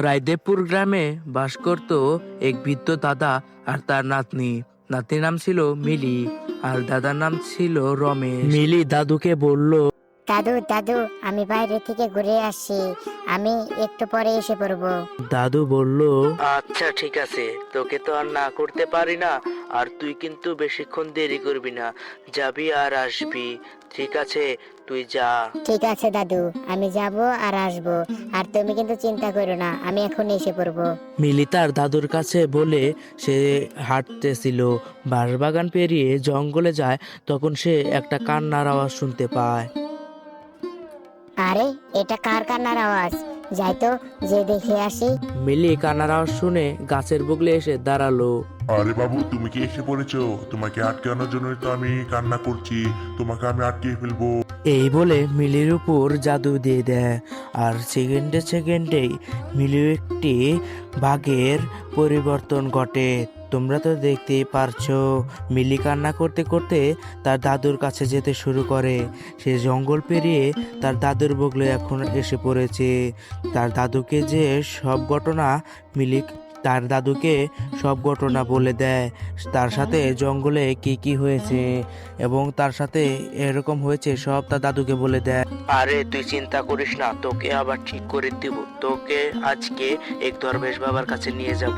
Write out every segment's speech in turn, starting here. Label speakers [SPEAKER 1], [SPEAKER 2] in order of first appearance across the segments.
[SPEAKER 1] রায়দেবপুর গ্রামে বাস করত এক বৃদ্ধ দাদা আর তার নাতনি। নাতনির নাম ছিল মিলি আর দাদার নাম ছিল রমেশ। মিলি দাদুকে বলল,
[SPEAKER 2] দাদু দাদু, আমি বাইরে থেকে ঘুরে আসছি, আমি একটু পরে এসে পড়বো।
[SPEAKER 1] দাদু বলল, আচ্ছা ঠিক আছে, তোকে তো আর না করতে পারি না, আর তুই কিন্তু বেশিক্ষণ দেরি করবি না, যাবি আর আসবি। ঠিক আছে, তুই যা।
[SPEAKER 2] ঠিক আছে দাদু, আমি যাব আর আসবো, আর তুমি কিন্তু চিন্তা করো না, আমি এখন এসে পড়বো।
[SPEAKER 1] মিলি তার দাদুর কাছে বলে সে হাঁটতেছিল। বাঁশবাগান পেরিয়ে জঙ্গলে যায়, তখন সে একটা কান্নার আওয়াজ শুনতে পায়।
[SPEAKER 2] আরে, এটা কার কান্নার আওয়াজ? যাই তো, যে দেখে আসি।
[SPEAKER 1] মিলি কান্নার আওয়াজ শুনে গাছের বগলে এসে দাঁড়ালো।
[SPEAKER 3] আরে বাবু, তুমি কি এসে পড়েছো? তোমাকে আটকানোর জন্য তো আমি কান্না করছি, তোমাকে আমি আটকিয়ে ফেলবো।
[SPEAKER 1] এই বলে মিলির উপর জাদু দিয়ে দেয়, আর সেকেন্ডে সেকেন্ডেই মিলির একটি বাঘের পরিবর্তন ঘটে। তোমরা তো দেখতেই পারছো। মিলি কান্না করতে করতে তার দাদুর কাছে যেতে শুরু করে। সে জঙ্গল পেরিয়ে তার দাদুর বগলে এখন এসে পড়েছে। তার দাদুকে যে সব ঘটনা মিলি তার দাদুকে সব ঘটনা বলে দেয়, তার সাথে জঙ্গলে কি কি হয়েছে এবং তার সাথে এরকম হয়েছে সব তার দাদুকে বলে দেয়। আরে তুই চিন্তা করিস না, তোকে আবার ঠিক করে দিব। তোকে আজকে এক দরবেশ বাবার কাছে নিয়ে যাব।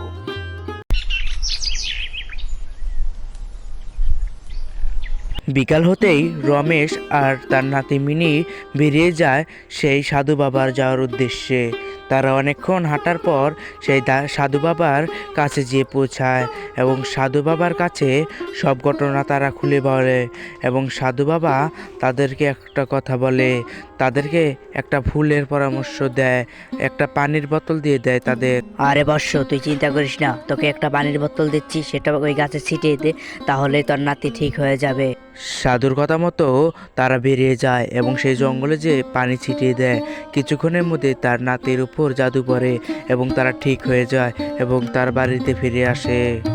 [SPEAKER 1] বিকাল হতেই রমেশ আর তার নাতি মিনি বেরিয়ে যায় সেই সাধু বাবার যাওয়ার উদ্দেশ্যে। তারা অনেকক্ষণ হাঁটার পর সেই সাধু বাবার কাছে যেয়ে পৌঁছায় এবং সাধু বাবার কাছে সব ঘটনা তারা খুলে বলে এবং সাধু বাবা তাদেরকে একটা কথা বলে, তাদেরকে একটা ফুলের পরামর্শ দেয়, একটা পানির বোতল দিয়ে দেয় তাদের।
[SPEAKER 4] আরে বর্ষ, তুই চিন্তা করিস না, তোকে একটা পানির বোতল দিচ্ছি, সেটা ওই গাছে ছিটিয়ে দে, তাহলে তোর নাতি ঠিক হয়ে যাবে।
[SPEAKER 1] সাধুর কথা মতো তারা বেরিয়ে যায় এবং সেই জঙ্গলে যে পানি ছিটিয়ে দেয়। কিছুক্ষণের মধ্যে তার নাতির উপর জাদু পড়ে এবং তারা ঠিক হয়ে যায় এবং তার বাড়িতে ফিরে আসে।